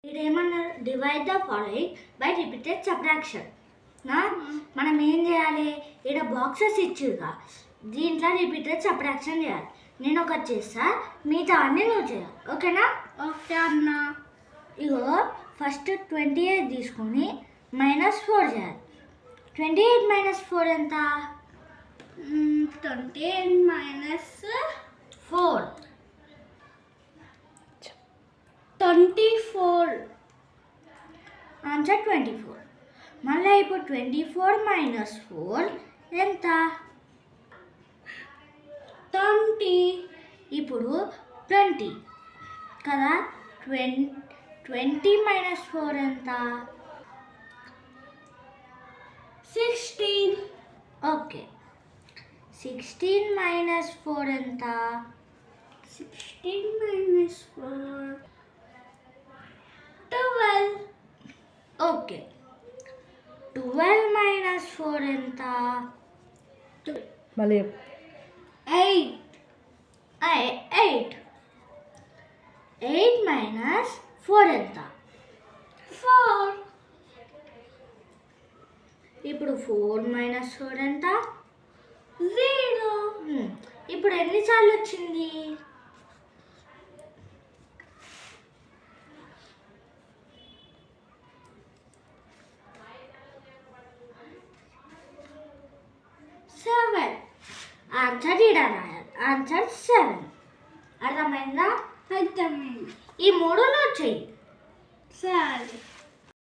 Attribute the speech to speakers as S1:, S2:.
S1: ఇదేమన్నా divide the following by repeated subtraction. మనం ఏం చేయాలి, ఇక్కడ బాక్సెస్ ఇచ్చిగా దీంట్లో రిపీటెడ్ సబ్ట్రాక్షన్ చేయాలి. నేను ఒకటి చేస్తా, మిగతా అన్నీ నువ్వు చేయాలి. ఓకేనా?
S2: ఓకే అన్న.
S1: ఇగో ఫస్ట్ 28 తీసుకొని -4 చేయాలి. 28 - 4 ఎంత?
S2: 28 -
S1: 4
S2: 24.
S1: ఆన్సర్ 24. మళ్ళీ ఇప్పుడు 24 - 4 ఎంత?
S2: 20.
S1: ఇప్పుడు 20 కదా. 20 - 4 ఎంత?
S2: 16.
S1: ఓకే. 16 - 4 ఎంత?
S2: 16 - 4 12.
S1: ఓకే. 12 - 4 ఎంత?
S3: మళ్ళీ
S1: 8. 8 - 4 ఎంత?
S2: 4.
S1: ఇప్పుడు 4 - 4 ఎంత?
S2: 0.
S1: ఇప్పుడు ఎన్నిసార్లు వచ్చింది? 7. ఆన్సర్ ఇక్కడ రాయాలి. ఆన్సర్ 7. అర్థమైందా?
S2: అర్థమైంది.
S1: ఈ మూడులో చెయ్యి.
S2: సరే.